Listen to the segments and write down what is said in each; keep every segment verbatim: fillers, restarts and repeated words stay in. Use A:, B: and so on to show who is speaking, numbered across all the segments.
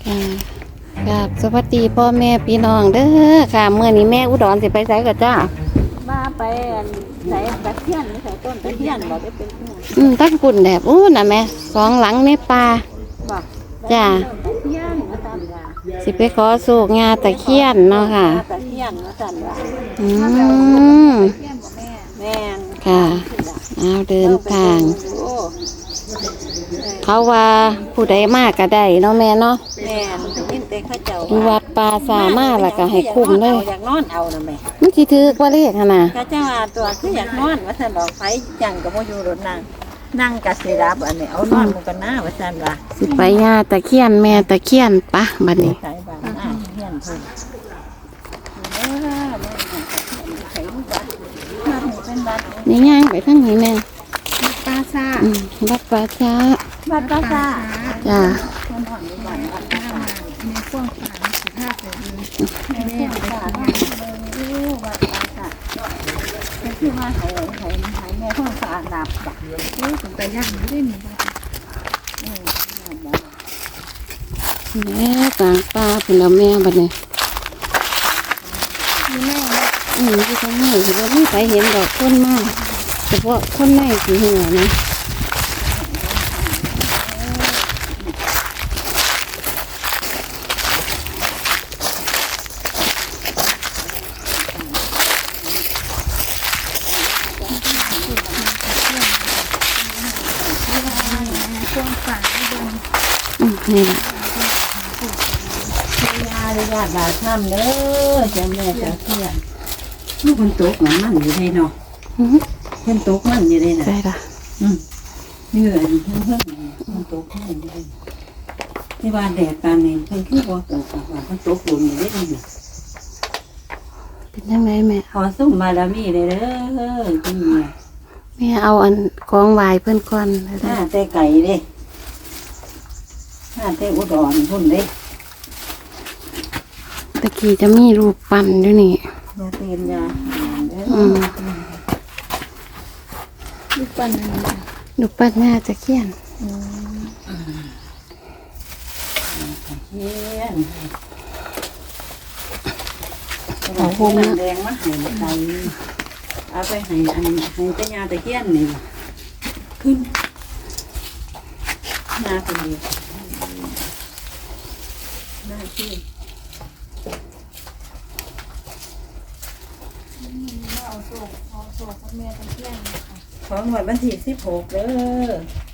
A: ค่ะครับสวัสดีพ่อแม่พี่น้องเด้อค่ะเมื่อนี้แม่อุดรสิไปไสก็จ้า
B: มาไปอันใส่ตะเคียนใส่ต้นตะเคียนบอกได้เป็นเพื่อน
A: อืมตั้งปุ่นแบบอู้น่ะแม่สองหลังในป่า
B: บอก
A: จ้า
B: ตะเคียนมาสั่นว่า
A: สิไปขอโศกงาตะเคียนเนาะค่ะ
B: ตะเคียนมาสั่นว่า
A: อืม
B: แม่น
A: ค่ะเอาเดินทาง
B: โอ้
A: เขาว่าผู้ใดมากก็ได้เนาะแม่เนาะ
B: แม่นยินแต่เข้าเจ้า
A: อยู่วัดป่าสามารถแล้วก็ให้คุ้มเลย
B: อยากนอนเอานะแม่
A: มันสิถือว่าเลขหั่นน่ะ
B: ข้าเจ้าว่าตัวคืออยากนอนว่าสั่นดอกไฟจังกับโมยูรถนั่งนั่งกะสิรับอันนี้เอานอนหมูกันหน้าว่าสั่นว่า
A: สิไปงาตะเคียนแม่ตะเคียนปะบัดนี้
B: สายบ้านหน้าเที่ยนเพิ่นเออมันใส่ลูกบัตรบัตรนี่เป็นบัตร
A: นี่ย่างไปทางนี้แม่
B: ปลาซ่า
A: อืมวัดป่าช้า
B: บัตรปลาซ่า
A: จ้า
B: คนหอนอยู่บ้านบัตรปลาซ่า
C: ในพวกฝานสุภาพเลย
B: ในเรื่องปลาซ่าเออบัตรปลาซ่าเป็นที่มาให้ให้ให้แม่ท้องฟ้านับบัตร
C: โอ้ยผมไปย่างไม่ได้หนีบ้าง
B: เออ
A: แม่กลางป่าพุ่นละแม่บัดนี้
C: มีแม่
A: อืมที่ทางนี้ถือว่ามีไปเห็นดอกต้นมากเฉพาะคนในสีหัวนะ
C: พวกฝานไม่โดน
A: อืมนี่แหละ
B: ยาเลยญาติบาดทำเด้อเจ้าแม่เจ้าเที่ยน
D: ลูกมันตกเหมือนมันอยู่ได้เนาะ
A: อืม
D: เพิ่นตกมันอยู่ได้น่ะ
A: ใช่ละ
D: อืมนี่เออเพิ่นเพิ่นมันตกมันอยู่ได้ที่ว่าแดดปานนี้เพิ่นคือบ่ตกว่าเพิ่นตกลงอยู่ได้นี่
A: เป็นยังไงแม่
D: ขอส่งบารมีเลยเด้อคุณแม่
A: แม่เอาอันกองวายเพื่อนก่อน
D: หน้าแต่ไก่เด้หน้าแต่อุดรพุ่นเด้
A: ตะกี้จะมีรูปปั้นอยู่นี่
D: ยาเตียนยาเด้อ
A: อืม
C: ลูกปั้นนั่นนะ
A: รูปปั้นแม่จะเขียน
D: เฮียน
A: ของโฮม
D: น้ำ
A: นะ
D: แดงมาให้ไก่เอาไปให้อันให้เจ้ายาตะเคียนนี่ขึ้นหน้าคนดีหน้าที่
C: เอาโศกเอาโศกกับแม่ตะเคียนนะคะ
D: ของหมดวันที่สิบหกเด้อ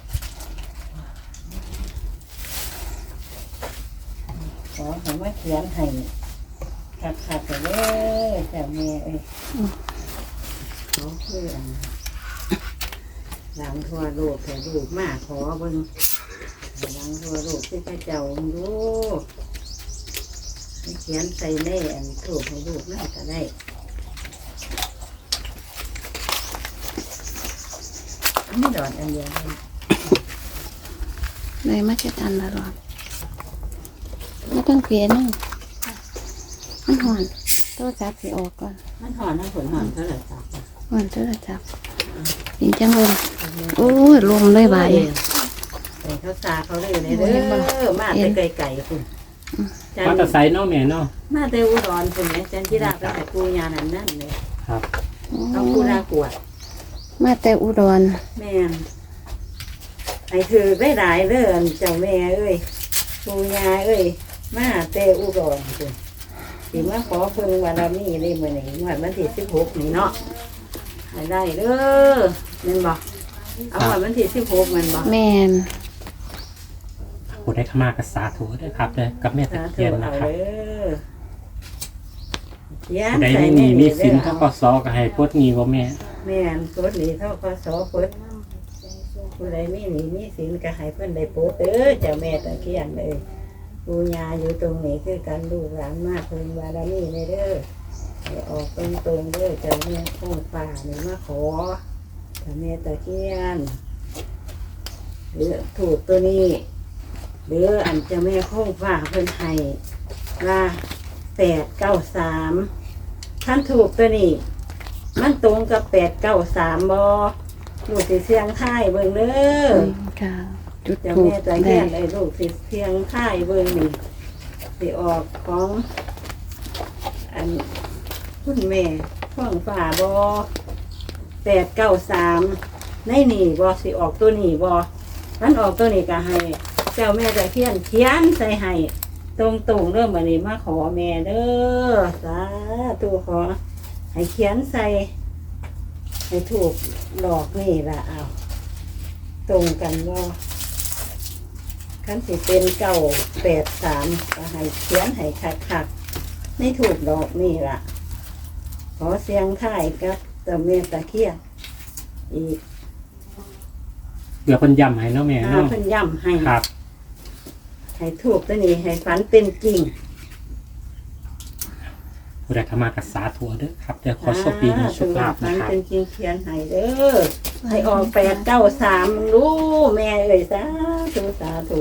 D: ขอผมว่าเขียนให้ขัดขัดไปเลยเจ้าแม่เอ้ยขอเพื่อนหลังทั่วโลกแต่ลูกมาขอเบิ่งหลังทั่วโลกที่พระเจ้าดูให้เขียนใส่ในอันถูกให้ลูกน่าจะได้อันนี้ดอนอันเดียวเลย
A: เลยมาเช็ดอันละรอบไม่ต้องเปลี่ยนนั่งมันหอนตัวจับสีออกก่อน
D: มันหอนนะผลหอนเท่าไหร่จ้ะ
A: หอนตัวจับยิงจังลมโอ้ยลมเลยบาย
D: ไก่เขาซาเขาเลยเลยเด้อมาแต่ไก่ไก่คุณ
E: มาแต่ไซน์เนาะแม่เนาะ
D: มาแต่อุดรคุณเนี่ยจันทิราไปแต่กูยานั่นนั่นเลย
E: ครับ
D: เอากูรากวด
A: มาแต่อุดร
D: แม่นไอ้ถือได้หลายเด้อเจ้าแม่เอ้ยกูยาเอ้ยมาแต่อุดรคุณสิมาขอเพิ่งบารมีเลยมื้อนี้วันวันที่สิบหกนี่เนาะให้ได้เด้อแม่นบ่เอาวันวันที่สิบหกแม่นบ่
A: แม่น
E: ผู้ได้ขมากระสาธุด้วยครับเลยกับแม่ตะ
D: สาธุ
E: เคียน
D: เอา
E: นะครับ
D: เด้อเขียน
E: ผู้ใด
D: ใส่
E: ไม่
D: ใน
E: มีมี
D: นี่
E: สิน
D: เด้อ
E: เขาก็ซอก็ให้พดงีว่าแม่
D: แม่นกดหนีเท่าก็สอเพิ่นผู้ใดมีหนีมีสินก็ให้เพิ่นได้โปรดเด้อเจ้าแม่ตะเคียนเลยปูญาอยู่ตรงนี้คือกันลูกหลานมากเพิ่นบารมีในเด้อให้ออกตรงตรงๆเด้อเจ้าแม่คงฟ้านี่มาขอเจ้าแม่ตะเคียนหรือถูกตัวนี้หรืออันเจ้าแม่คงฟ้าเพิ่นให้ว่าแปดเก้าสามท่านถูกตัวนี้ มันตรงกับแปดเก้าสามบอลูกสิเสียงค่ายเบิ่งเด้อ
A: ค่ะจุด
D: เจ้า
A: ถูก
D: แม่ใจ
A: ได้
D: แย่ไอ้ลูกสิเสียงค่ายเบิ่งนี่สิออกของอันคุณแม่ท่องฝ่าบอแปดเก้าสามในนี่บอสิออกตัวนี้บอมันออกตัวนี้ก็ให้เจ้าแม่ตะเคียนเขียนใส่ให้ตรงตรงๆเริ่มวันนี้มาขอแม่เด้อสาธุขอให้เขียนใส่ให้ถูกหลอกนี่ละเอาตรงกันบอขั้นสิเป็นเก้าแปดสามก็ให้เขียนให้คักๆไม่ถูกดอกนี่ละขอเสียงท่ายกับเจ้าแม่ตะเคียนอีก
E: เดี๋ยวคนย้ำให้เนาะแม่
D: อ่า
E: เนาะ
D: เพิ่นย้ำให้
E: ครับ
D: ให้ถูกตัวนี้ให้ฝันเป็นจริง
E: ผู้ใดเข้ามากับสาธุเด้อครับเดี๋ยวขอโชคดีมีโชคลาภ
D: ฝั
E: นะ
D: น
E: ครับ
D: เป็นจริงเขียนให้เด้อให้ออกแปดเก้าสามรู้แม่เอ่ยสาธุสาธุ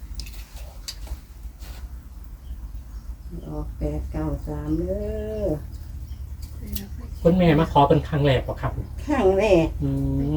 D: ให้ออกแปดเก้าสามเด้อ
E: คุณแม่มาขอเป็นครั้งแรกป่ะครับ
D: ข้างแรก
E: อืม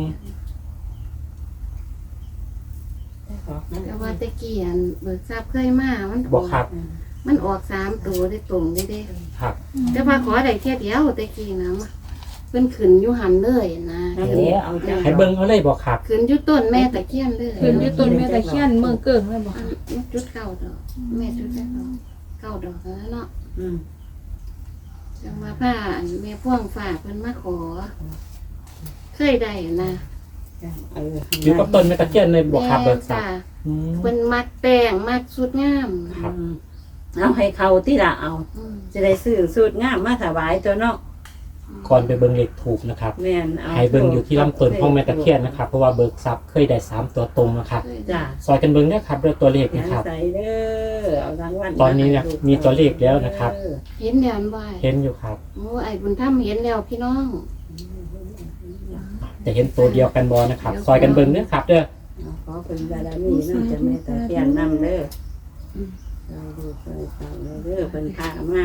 D: ออกนะ
A: แต่ว่าตะเกียนเบิกทราบเคยมามันอ
E: บ่
A: อก
E: ครับ
A: มันออกสามตัวได้ตรงได้เด้
E: ครับ
A: แต่ว่าขอได้แค่เดียวตะกี้นะมาเพิ่นขึ้นอยู่หันเลยนะ
D: อันนี้เอาจัง
E: ให้เบิ่งเอาเลยบ่ครับ
A: ขึ้นอยู่ต้นแม่ตะเคียนเลย
C: ขึ้นอยู่ต้นแม่ตะเคียนเมืองเกิ่งเลยบอก
A: อันมันจุดเก้าดอกแม่จุดแค่ดอกเก้าดอกแล้วเนาะ
D: อืม
A: จังว่าผ้าอันแม่พ่วงฝากเพิ่นมาขอ เคยได้นะ
D: เออ
E: อยู่กับต้นแม่ตะเคียนเลยบ่ครับเบิกทรัพ
A: จ้า
E: ย์อืม
A: เพิ่นมักแต่งมักสุดงาม
E: ครับ
D: อืมเอาให้เขาที่ละเอา
A: อืม
D: จะได้ซื้อสูตรงามมาถวายตัวเนาะ
E: ก่อนไปเบิ่งเลขถูกนะครับ
D: แม่นเอา
E: ให้เบิ่งอยู่ที่ลำต้นของแม่ตะเคียนนะครับเพราะว่าเบิกทรัพย์เคยได้สามตัวตรงนะครับ
A: เคยได้
D: จ้า
E: ซอยกันเบิ่งได้ครับด้วยตัวเลข
D: เขียน
E: นะครับ
D: ใส่เด้อเอารางวัล
E: ตอนนี้เนี่ยมีตัวเลขแล้วนะครับ
D: เออ
A: เห็นแล้วบ่าย
E: เห็นอยู่ครับ
A: โอ้ไอ้บุญธรรมเห็นแล้วพี่น้อง
E: จะเห็นตัวเดียวกันบอนะครับ ซอยกันเบิ่งเด้อครับเด้อ
D: เอาขอเป็นบารมีน้ำจะแม่ตะเคียนนำเด้อเราดูไปฟังเด้อเป็นพามา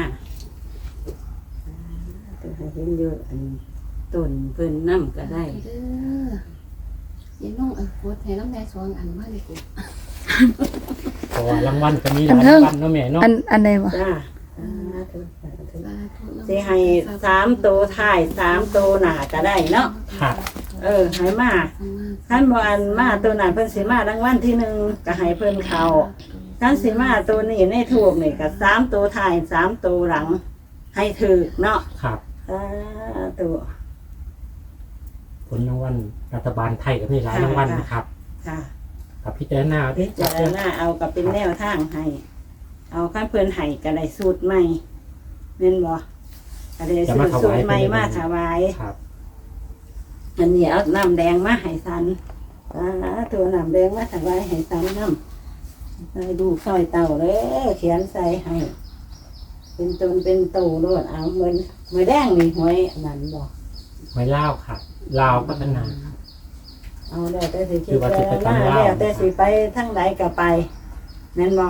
D: ตัวให้เห็นเยอะอันต้นเพิ่นน้ำก็ได้
A: เด้ออย่าน้องอันโพดให้น้องแม่สองอันมาเลยกู
E: เพราะว่ารางวัลก็มีหลายรางวัลเนาะแม่เนาะ
C: อันอันใดวะ
D: จ้าสาธุสาธุ
A: สาธุนำ
D: สิให้สามตัวท้ายสามตัวหน้าก็ได้เนาะ
E: ครับ
D: เออให้มาท่านบอันมาตัวนั้นเพิ่นสิมารางวัลที่หนึ่งก็ให้เพิ่นเขาท่านสิมาตัวนี้ในถูกนี่ก็สามตัวท้ายสามตัวหลัง ให้ถือเนาะ
E: ครับ
D: สาธุ
E: ผลรางวัลรัฐบาลไทยก็มีหลายรางวัลนะครับ
D: ค่ะ
E: กับพี่เจ้าหน้า
D: พิ
E: ด้วย
D: จารณาเอากับเป็นแนวทางให้ เอาข้าเพิ่นให้ก็ได้สูตรใหม่แม่นบ่ก็ได้สูตรสูตรใหม่มาถวาย
E: ครับ
D: อันนี้เอาน้ำแดงมาให้สันอ่าตัวน้ำแดงมาถวายให้สันน้ำใส่ดูซอยเต่าเลยเขียนใส่ให้ เป็นตนเป็นตูโลดเอาเหมือนเหมือนแดงนี่หวยอันนั้นบอก
E: ไว้เล่าวครับลาวพัฒนา
D: เอาแล้วแต่สิคิ
E: คือ
D: ด
E: ว่าสิไป
D: แต่
E: ทาง
D: ละ
E: ลาว
D: แล้วแต่สิไปทั้งใดก็ไปนั่นบอก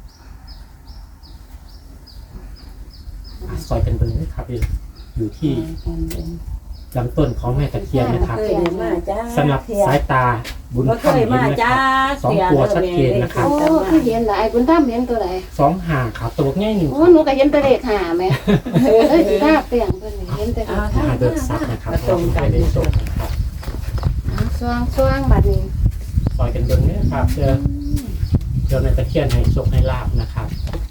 E: อ่ะซอยกันเบิ่งนะครับอยู่ที่ลำต้นของแม่ตะเคียนนะครับ
D: เคยเห็นมาจ้า
E: สำหรับสายตาบุญ
D: บ่
E: ธ
D: เค
E: รรม
D: ย
E: เห็น
D: มา
E: ไหมค
D: จ้า
E: รับสองตัวชัดเจนนะครับ
A: โอ้คือเห็นหลายบุญธรรมเห็นตัวไหน
E: สองห่างครับตัวง่ายหนึ่ง
A: โอ้หนูก็เห็นแตะเลขหาแม่เออสิท่าเปลี่ยนเพิ่นนี่เห็นแต่เลข
E: หา
A: หา
E: เบิกทรัพย์นะครับเพราะว่าไม่ได้ส่งนะครับ
A: สว่างสว่างบัดนี้
E: ซอยกันเบิ่งเนี่ยครับเพื่อเพื่อแม่ตะเคียนให้โชคให้ลาบนะครับ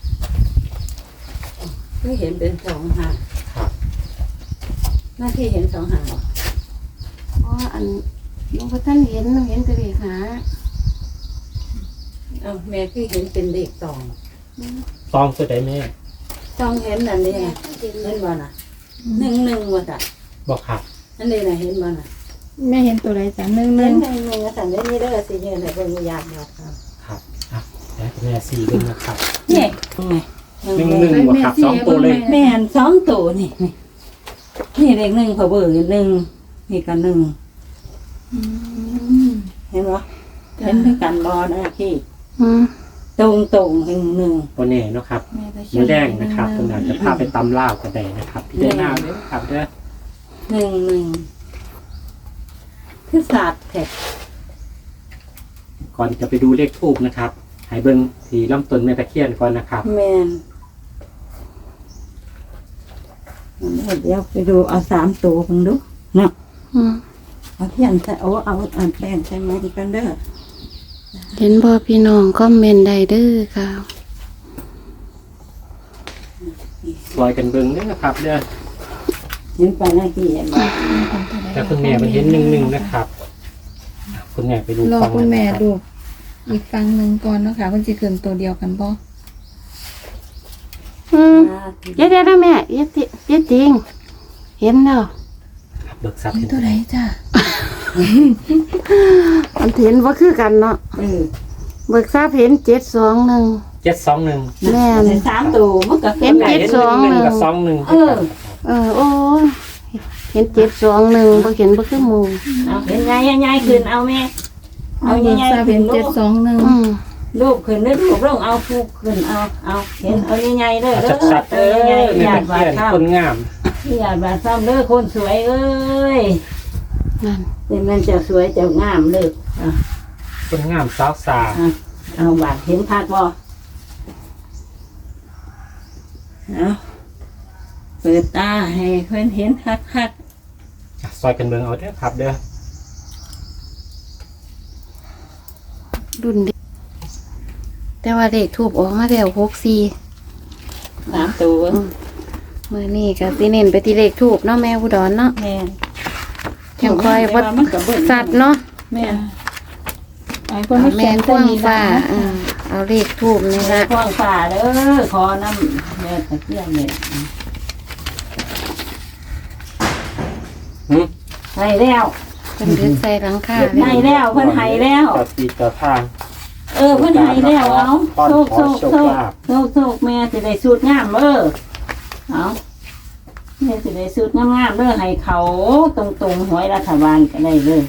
D: เคยเห็นเป็นสองหาง
E: ครับ
D: หน้าที่เห็นสองหาง
A: เพราะอันหลวงพ่อท่านเห็นเห็นแตะเลขหา
D: เอ้าแม่คือเห็นเป็นเลขสอง
E: ซองตัวใดแม่
D: สองเห็นอันนี้นะเห็นบ่น่ะหนึ่งหนึ่งว่ะจ้ะ
E: บอกครับ
D: อันนี้น่ะเห็นบ่น่ะ
C: แม่เห็นตัวใดจ้ะหนึ่งห
D: ห
C: นึ่
D: นึ่
C: ง
D: งหนึ่งหนึ่งสั่นได้นี่เด้อสิเนี่ยให้เบิ่งอยากบอกครับ
E: ครับอ่ะแล้วแม่สี่ด้วยนะครับ
D: นี่
E: หนึ่งหนึ่งบวกครับสองตัวเลย
D: แม่นสองตัวนี่นี่นี่เลขหนึ่งเขาเบิ่งหนึ่งนี่ก็หนึ่งเห็นบ่เห็นด้วยกันบ่นะพี่
A: อืม
D: ตรงตรงหนึ่งหนึ่ง
E: ตัวนี้เนาะครับ
C: แม่ตะเคี
E: เนื้
C: ย
E: อน แดงนะครับตรงนั้นจะพาไปตำลาวก็ได้นะครับพี่เจ้าหน้าเลยครับเด้อ
D: หนึ่งหนึ่งคือศาสตร์แท็ก
E: ก่อนจะไปดูเลขทูบนะครับให้เบิ่งที่ลำต้นแม่ตะเคียนก่อนนะครับ
D: แมนเดี๋ยวไปดูเอาสามตัวมึงดูเนาะ
A: อืม
D: เอาเทียนใส่โอ้เอาอันแป้งใส่ไม้กันเด้อ
A: เห็นบ่พี่น้องคอมเมนต์ได้เด้อค่ะ
E: ซอยกันเบิ่งเด้อครับเด้อ
D: เห็นไปหน้าที่ยังไง
E: แต่คุณแม่มันเห็นหนึ่งหนึ่งนะครับ คุณแม่ไปดู
C: รอ
E: ฟัง
C: คุณแม่
E: นะครับ
C: ดูอีกฟังหนึ่งก่อนเนาะค่ะมันจะเกินตัวเดียวกันบ่
A: อืมเดี๋ยวเดี๋ยวนะแม่เดี๋ยวติเดี๋ยวจริง เห็นแล้ว
E: ครับเบิกทรัพย์
C: เห็น
E: เห็น
C: ตัวไหนจ้ะ
A: มันเห็นว่าคือกันเนาะ
D: เออ
A: เบิกทราบเห็นเจ็ดสองหนึ่ง
E: เจ็ดสองหนึ่ง
A: แม่น
D: ใส่สามตัวมันก็
A: เห็นเจ็ดสองหนึ่ง
E: กับสองหนึ่ง
D: เออ
A: เออโอ้ยเห็นเจ็ดสองหนึ่งบ่เห็นบ่คือหมู่
D: เอาเห็นใหญ่ใหญ่ขึ้นเอาแม่เอา
C: เอา
D: ใหญ่
C: ทราบ
D: ๆขึ้
C: เห็
D: น
C: น
D: ลู
C: เจ็ด
D: ก
C: สองหนึ่ง
A: อืม
D: ลูกขึ้นได้ลูกลงเอาฟูกขึ้นเอาเอาเห็นเอาใหญ่ๆเด้อเด้อ
E: ชัดๆเอ
D: ใหญ่
E: อ
D: ๆ
E: แม่
D: อยา
E: ตะ
D: กบา
E: เคี
D: ด
E: ยน
D: ข้าม
E: คนงาม
D: อยากบาดซ้ำเด้อคนสวยเอ้ย
A: นั่น
D: เป็นมันจะสวยจะงามเลยอ่ะ
E: คนงามสาวสา
D: อ่ะเอาบาดเห็นพักบ่เอาเปิดตาให้เพื่อนเห็นคักคัก
E: ซอยกันเบิ่งเอาเด้อครับเด้อ
A: รุ่นเด็กแต่ว่าเลขทูบออกมาแล้วหกสี่
D: ๆสามตัว
A: มื้อนี้ก็สิเน้นไปที่เลขทูบเนาะแม่อุดรเนาะ
D: แม่น
A: ยังคอย
D: แต่
A: วัด
D: ว่ามันก็เบิ่ง
A: สัตว์เนาะ
D: แม่น
C: ไอ้คนไม่
A: แม่
C: แข็ง
A: กว้างฟ้าอ่าเอาเลขทูบนี่
D: แม่
A: ละ
D: ควางฝ่าเด้อขอน้ำแม่ตะเกียงเนี่ย
E: หืม
D: ให้แล้ว
A: เพิ่นดึกใส่หลังคา
D: ให้แล้วเพิ่นให้แล้ว
E: ต่อปีต่อทาง
D: เออเพิ่นให้แล้วเอาโชคโชคโชคโชคโชคแม่สิได้สูตรงามเด้อเอาแม่สิได้สูตรงามๆเด้อให้เขาตรงๆหวยรัฐบาลก็ได้เลย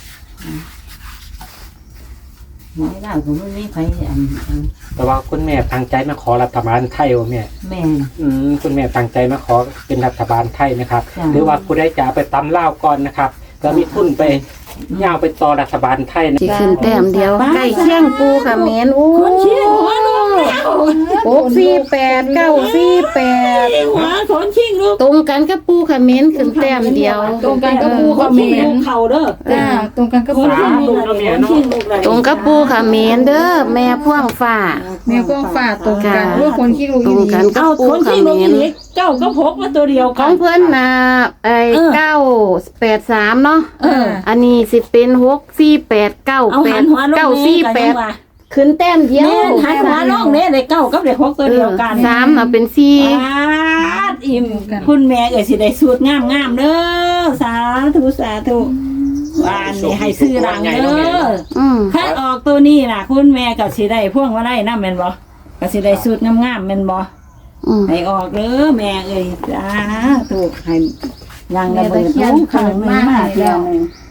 D: หวยลาวก็บ่มีไผอันอัน
E: แต่ว่าคุณแม่ตั้งใจมาขอรัฐบาลไทยว่าแม่
D: แม่
E: อืมคุณแม่ตั้งใจมาขอเป็นรัฐบาลไทยนะครับ
D: จ้ะ
E: หรือว่าผู้ได้จะเอาไปตำเล่าวก่อนนะครับก็มีทุนไปย่าวไปต่อรัฐบาลไทยนะ
A: สิขึ้นแต้มเดียวใกล้เคียงปูค่ะแม่นโอ้
D: คนเชียงหัวลูกแล้ว
A: หกสี่แปดเก้าสี่แปด
D: หัวคนชิงลูก
A: ตรงกันกับปูค่ะแม่นขึ้นแต้มเดียว
C: ตรงกันกับปู
D: ค
C: เขา
D: น
C: เม
D: ชิง
C: น
D: ลูกเข่าเด้อ
C: จ้าตรงกันกับ
D: ค
C: ปู
D: นชิงลูกคนชิงลูกเลย
A: ตรงกับปูค่ะแม่นเด้อแม่พ่วงฟ้า
C: แม่กว้างฟ้าตรงกันว่าคนขี้รู้
A: ตร
C: อี
A: ง
C: ดี
A: กันกั
D: เอา
A: บปู
D: คน
A: ค่ะ
D: ชิงลูก
A: แม่น
D: อีกเจ้าก็พกมาตัวเดียว
A: ข
D: กั
A: อน งเพิ่นน่ะไอ้เก้าแปดสามเนาะ
C: เออ
A: อันนี้สิเป็นหกสี่แปดเก้า
D: เอา
A: แป
D: หั
A: ด
D: นหัวลง
A: เก้า
D: นี่
A: สี่
D: กัน
A: แป
D: ยั
A: ด
D: งว่า
A: ขึ้นแต้มเดียว
D: แม่หันหัวลงเนี่ยได้เก้ากับได้หกตัวเดียวกัน
A: สามน่ะเป็นสี่
D: ปาดอิ่มคุณแม่เอ๋ยสิได้สูตรงามงามๆเด้อสาธุสาธุวานนี่ให้ซื้อรังเด้อ
A: อืม
D: ถ้าออกตัวนี้น่ะ คุณแม่ก็สิได้พ่วงมาได้นำแม่นบ่ก็สิได้สูตรงามๆแม่นบ่
A: อืม
D: ให้ออกเด้อแม่เอ้ยสาธุให้ยังระเบิดลงข้างหนึงมาเที่ยวหนึง